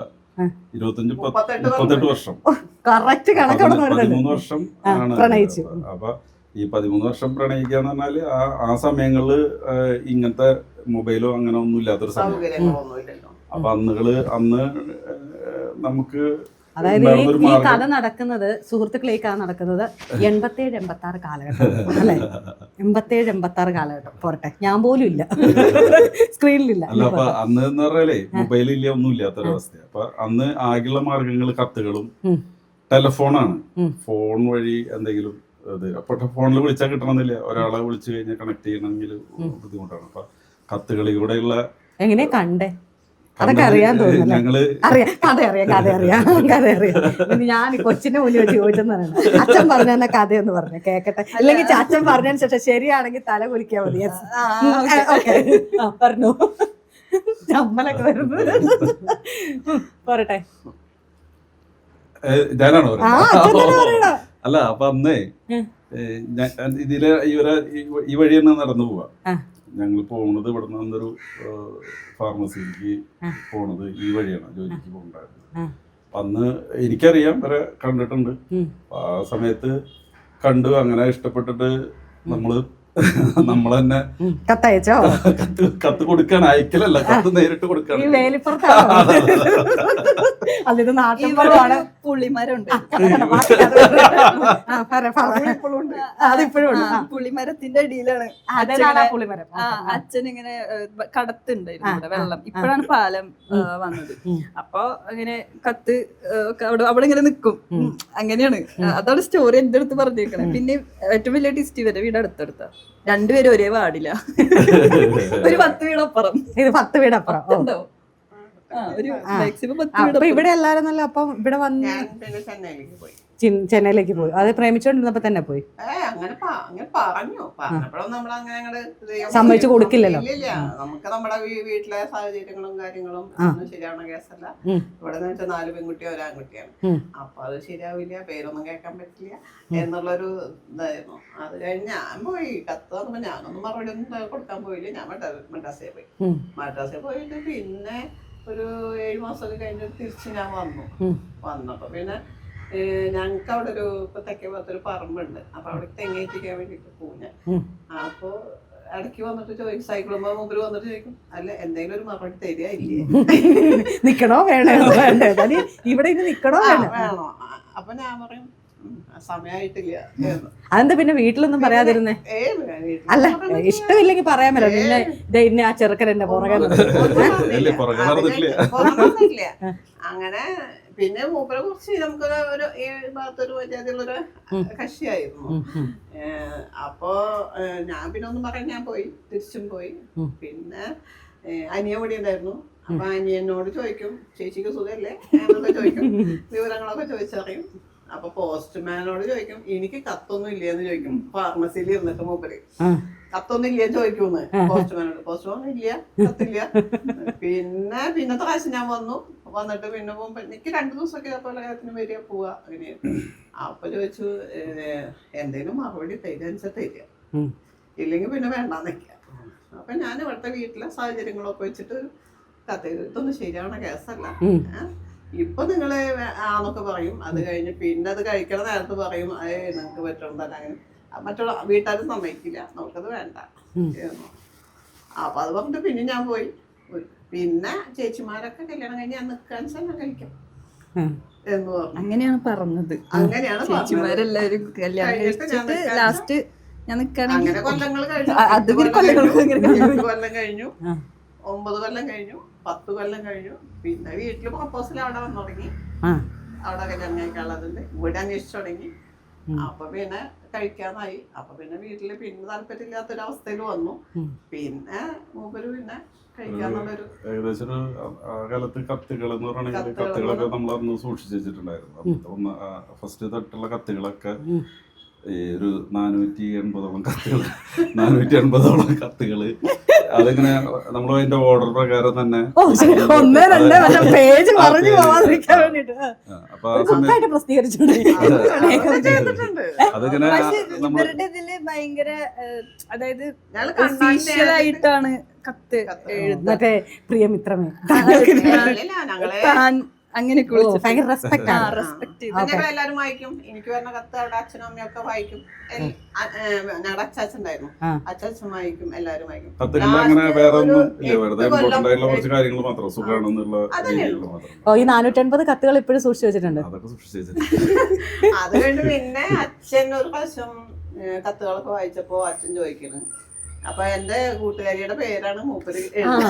38 വർഷം
കറക്റ്റ് കണക്കോടെ
13 വർഷം ആണ്
പ്രണയിച്ചു.
അപ്പൊ ഈ 13 വർഷം പ്രണയിക്കുക എന്ന് പറഞ്ഞാല് ആ സമയങ്ങളില് ഇങ്ങനത്തെ മൊബൈലോ അങ്ങനെ ഒന്നും ഇല്ലാത്തൊരു സമയം. അപ്പൊ അന്ന് നമുക്ക്
അതായത് ഈ കഥ നടക്കുന്നത് സുഹൃത്തുക്കളെ ഈ കഥ നടക്കുന്നത് 87-86 കാലഘട്ടം അല്ലെ? 87-86 കാലഘട്ടം പോരട്ടെ, ഞാൻ പോലും ഇല്ല സ്ക്രീനിലില്ല.
അല്ല അപ്പൊ അന്ന് എന്ന് പറഞ്ഞാലേ മൊബൈലില്ല ഒന്നും ഇല്ലാത്തൊരവസ്ഥ. അപ്പൊ അന്ന് ആകെയുള്ള മാർഗങ്ങൾ കത്തുകളും ടെലിഫോണാണ്. ഫോൺ വഴി എന്തെങ്കിലും അപ്പൊ ഫോണിൽ വിളിച്ചാൽ കിട്ടണമെന്നില്ല. ഒരാളെ വിളിച്ചു കഴിഞ്ഞാൽ കണക്ട് ചെയ്യണമെങ്കിൽ ബുദ്ധിമുട്ടാണ്. അപ്പൊ കത്തുകളിലൂടെയുള്ള
എങ്ങനെ കണ്ടേ അതൊക്കെ അറിയാൻ തോന്നുന്നു. അറിയാം. ഞാൻ കൊച്ചിന്റെ മുന്നിൽ വെച്ച് ചോദിച്ചെന്നാണ്. അച്ഛൻ പറഞ്ഞ കഥയൊന്ന് പറഞ്ഞു കേക്കട്ടെ, അല്ലെങ്കിൽ അച്ഛൻ പറഞ്ഞതിന് ശേഷം ശരിയാണെങ്കിൽ തല കുലിക്കാൻ മതി. പറഞ്ഞു ചമ്മലൊക്കെ വരുന്നു. പോരട്ടെ,
ഞാനാണോ? അല്ല അപ്പൊ അന്നേ ഇതിലെ ഈ വഴി തന്നെ നടന്നു പോവാ. ഞങ്ങൾ പോകുന്നത് ഇവിടെ നിന്നൊരു ഫാർമസിക്ക് പോണത് ഈ വഴിയാണ്, ജോലിക്ക് പോകണ്ടായിരുന്നു. അന്ന് എനിക്കറിയാം, വരെ കണ്ടിട്ടുണ്ട്. ആ സമയത്ത് കണ്ടു, അങ്ങനെ ഇഷ്ടപ്പെട്ടിട്ട് നമ്മൾ തന്നെ
കത്തയച്ചോ?
കത്ത് കൊടുക്കാൻ അയക്കലല്ല, കത്ത് നേരിട്ട് കൊടുക്കാൻ.
പുള്ളിമരമുണ്ട്, പുള്ളിമരത്തിന്റെ അടിയിലാണ് അച്ഛൻ ഇങ്ങനെ കടത്തുണ്ടായിരുന്നു ഇവിടെ വെള്ളം. ഇപ്പോഴാണ് പാലം വന്നത്. അപ്പൊ അങ്ങനെ കത്ത് അവിടെ ഇങ്ങനെ നിക്കും. അങ്ങനെയാണ്, അതാണ് സ്റ്റോറി എന്റെ അടുത്ത് പറഞ്ഞേക്കണേ. പിന്നെ ഏറ്റവും വലിയ ടിസ്റ്റ് വരെ വീട് അടുത്തടുത്ത രണ്ടുപേരും ഒരേ വാർഡില്ല, ഒരു 10 വീടപ്പുറം.
ഇത് 10 വീടപ്പുറം
ഒരു മാക്സിമം 10 വീട്.
ഇവിടെ എല്ലാരും നല്ല. അപ്പം ഇവിടെ വന്ന് ചെന്നൈയിലേക്ക് പോയി. അത് പ്രേമിച്ചോണ്ടിരുന്നപ്പോ തന്നെ പോയി.
അങ്ങനെ പറഞ്ഞു. പറഞ്ഞപ്പോഴും നമ്മളങ്ങനെ
സമ്മതിച്ചു കൊടുക്കില്ലല്ലോ.
നമുക്ക് നമ്മുടെ വീട്ടിലെ സാഹചര്യങ്ങളും കാര്യങ്ങളും ഒന്നും ശരിയാവണ കേസല്ല. ഇവിടെ നിന്ന് വെച്ചാൽ 4 പെൺകുട്ടിയോ 1 ആൺകുട്ടിയാണ്. അപ്പൊ അത് ശരിയാവില്ല, പേരൊന്നും കേൾക്കാൻ പറ്റില്ല എന്നുള്ളൊരു ഇതായിരുന്നു. അത് കഴിഞ്ഞ് ഞാൻ പോയി കത്ത് വന്നപ്പോ ഞാനൊന്നും മറുപടി ഒന്നും കൊടുക്കാൻ പോയില്ല. ഞാൻ മദ്രാസിൽ പോയി. മദ്രാസിൽ പോയിട്ട് പിന്നെ ഒരു 7 മാസമൊക്കെ കഴിഞ്ഞിട്ട് തിരിച്ച് ഞാൻ വന്നപ്പോ പിന്നെ ഞങ്ങക്ക് അവിടെ ഒരു തെക്കേ ഭാഗത്തൊരു പറമ്പുണ്ട്. അപ്പൊ അവിടെ തെങ്ങേറ്റിക്കാൻ വേണ്ടിട്ട് പോകും ഞാൻ. അപ്പൊ ഇടയ്ക്ക് വന്നിട്ട് ചോദിക്കും, സൈക്കിളുമ്പോ മുമ്പിൽ വന്നിട്ട് ചോദിക്കും, അല്ല എന്തെങ്കിലും ഒരു മറുപടി തരികയില്ലേ,
നിക്കണോ വേണോ, ഇവിടെ നിക്കണോ
വേണോ? അപ്പൊ ഞാൻ പറയും സമയായിട്ടില്ല.
അതെന്താ പിന്നെ വീട്ടിലൊന്നും പറയാതിരുന്നേ? അല്ല ഇഷ്ടമില്ലെങ്കിൽ പറയാൻ പറ്റില്ല. പിന്നെ ഇന്ന ആ ചെറുക്കൻ എന്റെ പുറകെ
അങ്ങനെ. പിന്നെ മൂപ്പരെ കുറിച്ച് നമുക്കൊരു ഈ ഭാഗത്തൊരു മര്യാദയുള്ളൊരു കക്ഷിയായിരുന്നു. അപ്പോ ഞാൻ പിന്നെ ഒന്നും പറയാൻ ഞാൻ പോയി, തിരിച്ചും പോയി. പിന്നെ അനിയൻ കൂടി ഉണ്ടായിരുന്നു. അപ്പൊ അനിയനോട് ചോദിക്കും, ചേച്ചിക്ക് സുഖല്ലേ എന്നൊക്കെ ചോദിക്കും, വിവരങ്ങളൊക്കെ ചോദിച്ചറിയും. അപ്പൊ പോസ്റ്റ്മാനോട് ചോദിക്കും, എനിക്ക് കത്തൊന്നും ഇല്ലേന്ന് ചോദിക്കും. ഫാർമസിയിൽ ഇരുന്നിട്ട് മൂപ്പര് കത്തൊന്നും ഇല്ലേ ചോദിക്കൂന്ന് പോസ്റ്റ്മാനോട്. പോസ്റ്റ്മാൻ ഇല്ല, കത്തില്ല. പിന്നത്തെ പ്രാവശ്യം ഞാൻ വന്നിട്ട് പിന്നെ പോകുമ്പോ എനിക്ക് 2 ദിവസമൊക്കെ ഇതേപോലെ കാര്യത്തിന് വരിക പോവാ അങ്ങനെയാണ്. അപ്പൊ ചോദിച്ചു, എന്തേലും മറുപടി തരിക, ഇല്ലെങ്കിൽ പിന്നെ വേണ്ടാന്ന് വെക്കുക. അപ്പൊ ഞാൻ ഇവിടുത്തെ വീട്ടിലെ സാഹചര്യങ്ങളൊക്കെ വെച്ചിട്ട് കത്ത്, ഇതൊന്നും ശരിയാവണ കേസല്ല, ഇപ്പൊ നിങ്ങള് ആന്നൊക്കെ പറയും. അത് കഴിഞ്ഞ് പിന്നെ അത് കഴിക്കണ നേരത്ത് പറയും നിങ്ങക്ക് പറ്റുന്നതല്ല, അങ്ങനെ മറ്റുള്ള വീട്ടുകാർ സമ്മതിക്കില്ല, നമുക്കത് വേണ്ട എന്ന്. അപ്പൊ അത് പറഞ്ഞിട്ട് പിന്നെ ഞാൻ പോയി. പിന്നെ ചേച്ചിമാരൊക്കെ കല്യാണം കഴിഞ്ഞ് ഞാൻ നിൽക്കാൻ ഞാൻ കഴിക്കാം എന്ന് പറഞ്ഞു.
അങ്ങനെയാണ് പറഞ്ഞത്.
അങ്ങനെയാണ്
ചേച്ചിമാരെല്ലാരും കല്യാണം കഴിച്ചിട്ട് ലാസ്റ്റ് ഞാൻ നിൽക്കുകയാണെങ്കിൽ
അങ്ങനെ കൊല്ലങ്ങൾ കഴിഞ്ഞു.
അത്
കൊല്ലം കഴിഞ്ഞു, 9 കൊല്ലം കഴിഞ്ഞു, 10 കൊല്ലം കഴിഞ്ഞു. പിന്നെ വീട്ടില് പ്രപ്പോസൽ അവിടെ വന്നു തുടങ്ങി. അവിടെ കല്യാണം കഴിക്കാനുള്ളതുണ്ട്, ഇവിടെ അന്വേഷിച്ചു തുടങ്ങി. അപ്പൊ പിന്നെ കഴിക്കാനായി. അപ്പൊ പിന്നെ വീട്ടില് പിന്നെ താല്പര്യമില്ലാത്തൊരവസ്ഥയിൽ വന്നു. പിന്നെ മൂപ്പര് പിന്നെ കഴിക്കാന്നുള്ളൊരു
ഏകദേശം കാലത്ത് കത്തുകൾ എന്ന് പറയുകയാണെങ്കിൽ കത്തുകളൊക്കെ നമ്മൾ അന്ന് സൂക്ഷിച്ചു വെച്ചിട്ടുണ്ടായിരുന്നു. ഫസ്റ്റ് തൊട്ടുള്ള കത്തുകളൊക്കെ ഒരു 480ഓളം കത്തുകൾ 480ഓളം കത്തുകള് അതിങ്ങനെ നമ്മൾ അതിന്റെ ഓർഡർ പ്രകാരം തന്നെ
പേജ് പറഞ്ഞു പോവാതിരിക്കാൻ വേണ്ടിട്ട്
അപ്പൊ ആ സമയത്ത് അതിങ്ങനെ
ഇവരുടെ ഇതില് ഭയങ്കര അതായത് ഒഫീഷ്യലായിട്ടാണ് കത്ത് എഴുതുന്നത്.
മറ്റേ പ്രിയമിത്രമേ
അങ്ങനെയൊക്കെ
ഭയങ്കര റെസ്പെക്ട് ആണ്.
റെസ്പെക്ട്
എല്ലാരും വായിക്കും. എനിക്ക് പറഞ്ഞ കത്ത് അവിടെ അച്ഛനും അമ്മയൊക്കെ വായിക്കും. ഞങ്ങളുടെ അച്ചാച്ചണ്ടായിരുന്നു, അച്ചാച്ചൻ വായിക്കും, എല്ലാരും വായിക്കും.
കത്തുകളിൽ അങ്ങനെ വേറെ ഒന്നും ഇല്ല, വെറുതെ ഇമ്പോർട്ടന്റ് ആയിട്ടുള്ള കുറച്ച് കാര്യങ്ങൾ മാത്രം സുഖമാണെന്നുള്ള രീതിയിൽ മാത്രം.
ഈ 450 കത്തുകൾ ഇപ്പോഴും സൂക്ഷിച്ചു വെച്ചിട്ടുണ്ട്.
അതൊക്കെ സൂക്ഷിച്ചു വെച്ചിട്ടുണ്ട്.
അത് കഴിഞ്ഞ് പിന്നെ അച്ഛൻ ഒരു പ്രാവശ്യം കത്തുകളൊക്കെ വായിച്ചപ്പോ അച്ഛൻ ചോദിക്കുന്നു, അപ്പൊ എന്റെ കൂട്ടുകാരിയുടെ പേരാണ് മൂപ്പര്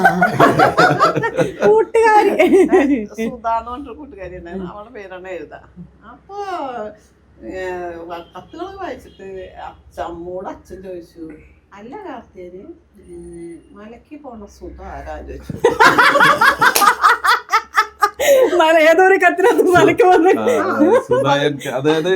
കൂട്ടുകാരി
സുധാന്ന് പറഞ്ഞൊരു കൂട്ടുകാരി ഉണ്ടായിരുന്നു, അവളുടെ പേരാണ് എഴുതാ. അപ്പൊ കത്തുകളൊക്കെ വായിച്ചിട്ട് അമ്മോട് അച്ഛൻ ചോദിച്ചു, അല്ല കാർത്തിയന് മലക്ക് പോണ സുധ ആരാ ചോദിച്ചു.
ഏതൊരു കത്തിനകത്ത് മലക്ക് വന്ന്
അതായത്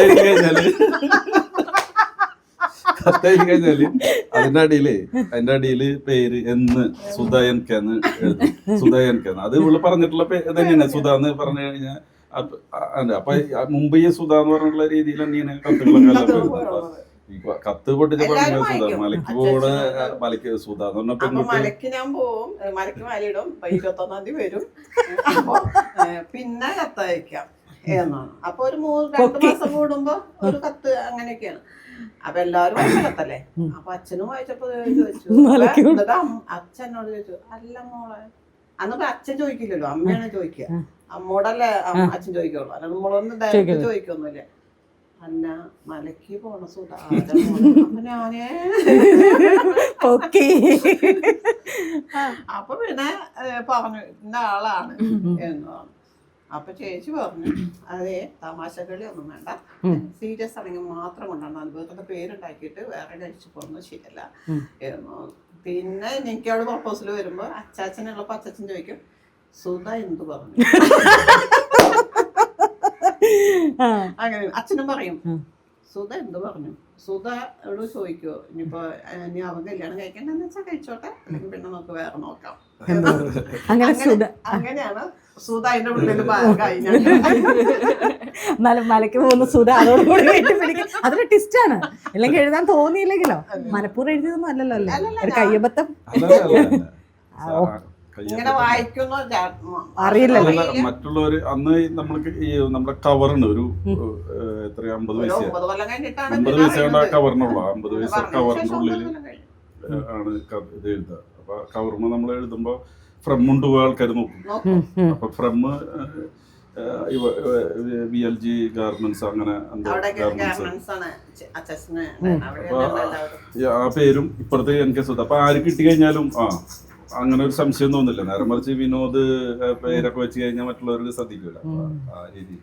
കത്തെഴുതി കഴിഞ്ഞാല് അതിന്റെ അടിയില് പേര് എന്ന് സുധയൻകെന്ന് എഴുതും. സുധയൻകെന്ന് അത് ഇവള് പറഞ്ഞിട്ടുള്ള ഇതെങ്ങനെയാണ് സുധ എന്ന് പറഞ്ഞു കഴിഞ്ഞാൽ. അപ്പൊ മുമ്പ് ഈ സുധ എന്ന് പറഞ്ഞിട്ടുള്ള രീതിയിൽ തന്നെയാണ് കത്തുകളൊക്കെ കത്ത് പൊട്ടിച്ചപ്പോ സുധ മലക്ക് പോട് മലക്ക് സുധ എന്ന് പറഞ്ഞ പെൺകുട്ടി.
മലക്ക് ഞാൻ പോവും, മലക്ക് മലയിടും, 21-ാം തീയതി വരും. അപ്പൊ പിന്നെ കത്തയക്കാം എന്നാണ്. അപ്പൊ ഒരു 2 മാസം കൂടുമ്പോ ഒരു കത്ത്, അങ്ങനെയൊക്കെയാണ്. അപ്പൊ എല്ലാരും വായിച്ച കത്തല്ലേ. അപ്പൊ അച്ഛനും വായിച്ചപ്പോ ചോദിച്ചു, എന്നിട്ട് അച്ഛനോട് ചോദിച്ചു, അല്ല മോളെ, അന്നിപ്പോ അച്ഛൻ ചോദിക്കില്ലല്ലോ, അമ്മയാണ് ചോദിക്കുക. അമ്മോടല്ലേ അച്ഛൻ ചോദിക്കുള്ളൂ, അല്ല നമ്മളൊന്നും ഡയറക്റ്റ് ചോദിക്കൊന്നുമില്ല. അല്ല മലക്ക് പോണ സുധാ. അപ്പൊ ഞാനേ അപ്പൊ പിന്നെ പറഞ്ഞു ഇന്ന ആളാണ് എന്ന് പറഞ്ഞു. അപ്പൊ ചേച്ചി പറഞ്ഞു, അതെ തമാശകളി ഒന്നും വേണ്ട, സീരിയസ് ആണെങ്കിൽ മാത്രം കൊണ്ടാണ് അനുഭവത്തിന്റെ പേരുണ്ടാക്കിയിട്ട് വേറെ കഴിച്ചു പോകുന്നത് ശരിയല്ല എന്ന്. പിന്നെ എനിക്ക് അവിടെ പ്രപ്പോസൽ വരുമ്പോ അച്ചാച്ചനുള്ളപ്പോ അച്ചാച്ചൻ ചോദിക്കും, സുധ എന്ത് പറഞ്ഞു. അങ്ങനെ അച്ഛനും പറയും, സുധ എന്ത് പറഞ്ഞു. സുധ എവിടെ ചോദിക്കുവോ, ഇനിയിപ്പോ ഇനി അവൻ കല്യാണം കഴിക്കണ്ടെന്ന് വെച്ചാൽ കഴിച്ചോട്ടെ, അല്ലെങ്കിൽ പിന്നെ നമുക്ക് വേറെ നോക്കാം. അങ്ങനെയാണ് സുധ അതിന്റെ ഉള്ളിൽ ഭാഗമായി.
മലക്ക് പോകുന്ന സുധ അതോടുകൂടി പിടിക്കും. അതൊരു ട്വിസ്റ്റാണ്. അല്ലെങ്കിൽ എഴുതാൻ തോന്നിയില്ലെങ്കിലോ, മനപ്പൂർവ്വം എഴുതിയതൊന്നും അല്ലല്ലോ, അല്ലേ, ഒരു കയ്യബദ്ധം.
ഇങ്ങനെ വായിക്കുന്നു
അറിയില്ലല്ലോ.
മറ്റുള്ളവര് അന്ന് നമ്മൾക്ക് ഈ നമ്മുടെ കവറിന് ഒരു എത്ര 50 പൈസ 50 പൈസ കൊണ്ട് ആ കവറിനുള്ള 50 പൈസ കവറിന്റെ ഉള്ളിൽ ആണ് ഇത് എഴുതുക. അപ്പൊ കവറിന് നമ്മൾ എഴുതുമ്പോ ഫ്രം ഉണ്ട് ആൾക്കാർ നോക്കും. അപ്പൊ ഫ്രം VLG ഗാർമെന്റ്സ് അങ്ങനെ ആ പേരും ഇപ്പുറത്തെ എനിക്ക് സുധ. അപ്പൊ ആര് കിട്ടി കഴിഞ്ഞാലും അങ്ങനെ ഒരു സംശയം തോന്നില്ല. നേരെ മറിച്ച് വിനോദ് പേരൊക്കെ വെച്ച് കഴിഞ്ഞാൽ മറ്റുള്ളവർക്ക് ശ്രദ്ധിക്കൂല ആ രീതിയിൽ.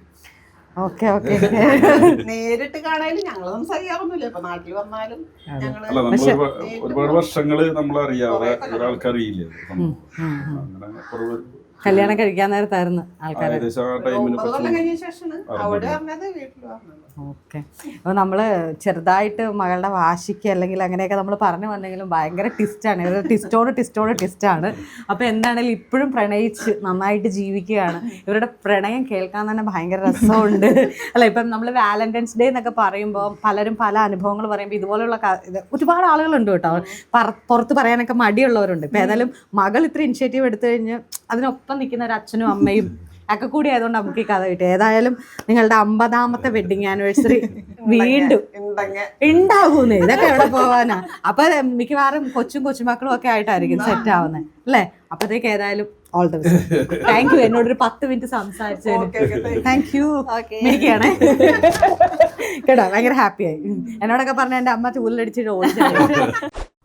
നേരിട്ട് കാണാനും ഞങ്ങള് സംസാരിക്കാറൊന്നുമില്ല. ഇപ്പൊ നാട്ടിൽ വന്നാലും
അല്ല, നമ്മൾ ഒരുപാട് വർഷങ്ങള് നമ്മളറിയാതെ ഒരാൾക്കറിയില്ലേ അങ്ങനെ
കല്യാണം കഴിക്കാൻ നേരത്തായിരുന്നു ആൾക്കാർ. ഓക്കെ. അപ്പോൾ നമ്മൾ ചെറുതായിട്ട് മകളുടെ വാശിക്ക് അല്ലെങ്കിൽ അങ്ങനെയൊക്കെ നമ്മൾ പറഞ്ഞു വന്നെങ്കിലും ഭയങ്കര ട്വിസ്റ്റാണ്. ഇവർ ട്വിസ്റ്റാണ്. അപ്പോൾ എന്താണെങ്കിലും ഇപ്പോഴും പ്രണയിച്ച് നന്നായിട്ട് ജീവിക്കുകയാണ്. ഇവരുടെ പ്രണയം കേൾക്കാൻ തന്നെ ഭയങ്കര രസമുണ്ട്. അല്ല, ഇപ്പം നമ്മൾ വാലന്റൈൻസ് ഡേ എന്നൊക്കെ പറയുമ്പോൾ പലരും പല അനുഭവങ്ങൾ പറയുമ്പോൾ ഇതുപോലുള്ള ഒരുപാട് ആളുകളുണ്ട് കേട്ടോ. പുറത്ത് പറയാനൊക്കെ മടിയുള്ളവരുണ്ട്. ഇപ്പം ഏതായാലും മകൾ ഇത്ര ഇനിഷ്യേറ്റീവ് എടുത്തു കഴിഞ്ഞ് അതിനൊപ്പം നിൽക്കുന്ന ഒരു അച്ഛനും അമ്മയും ഒക്കെ കൂടി ആയതുകൊണ്ട് നമുക്ക് ഈ കഥ കിട്ടി. ഏതായാലും നിങ്ങളുടെ 50ാമത്തെ വെഡിങ് ആനിവേഴ്സറി വീണ്ടും ഉണ്ടാകൂന്നേ. ഇതൊക്കെ എവിടെ പോവാനാ? അപ്പൊ മിക്കവാറും കൊച്ചുമക്കളും ഒക്കെ ആയിട്ടായിരിക്കും സെറ്റ് ആവുന്നത് അല്ലേ? അപ്പത്തേക്ക് ഏതായാലും all the best. Thank you എന്നോടൊരു 10 മിനിറ്റ് സംസാരിച്ചതിന്. Thank you. മിനിക്കാണേ കേട്ടോ, ഭയങ്കര ഹാപ്പിയായി. എന്നോടൊക്കെ പറഞ്ഞ എൻ്റെ അമ്മ ചൂലിലടിച്ചിട്ട് ഓടിച്ചു.